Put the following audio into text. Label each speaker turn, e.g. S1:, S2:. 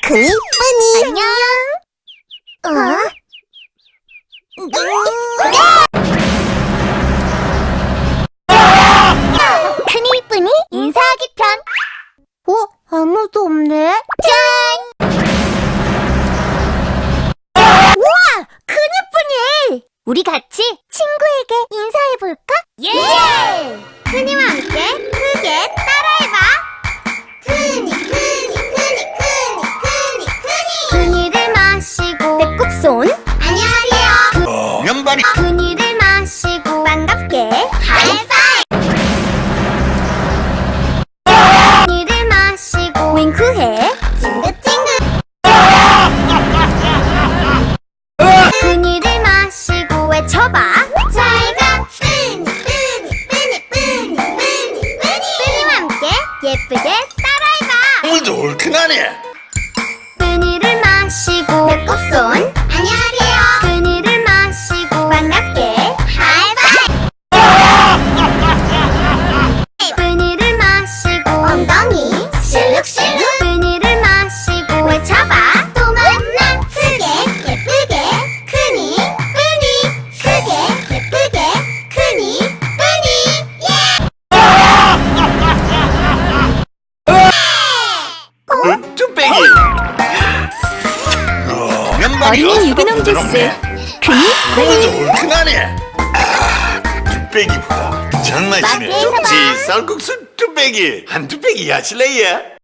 S1: 크니 뿌니 안녕. 크니 뿌니 인사하기 편. 아무도 없네. 짠! 우와! 크니 뿌니! 우리 같이 친구에게 인사해볼까? 예! 크니와 함께 크게 따라해봐. 크니 크니 크니 크니 크니 크니 크니를 마시고 배꼽 손 안녕하세요.
S2: 면발이
S1: 크니를 마시고 반갑게 하이파이브. 크니를 마시고 윙크해 찡긋찡긋. 크니를 마시고 외쳐봐. 잘가 뿌니 뿌니 뿌니 뿌니 뿌니 뿌니 뿌니와 함께 예쁘게 따라해봐.
S2: 오늘도 얼큰하네.
S1: 뿌니를 마시고 배꼽손 안녕하세요. 뿌니를 마시고 반갑게 하이파이브. 뿌니를 마시고 엉덩이 실룩실룩. 뿌니를 마시고 외쳐봐. 또 만나 크게 예쁘게 크니 뿌니 크게 예쁘게 크니 뿌니
S2: 뚝배기. 면발이
S3: 어린이 유기농 주스 크니
S2: 오늘도 얼큰하네. 뚝배기보다 정말 맛있네.
S1: 맛있어.
S2: 쌀국수 뚝배기 한 뚝배기 하실래요?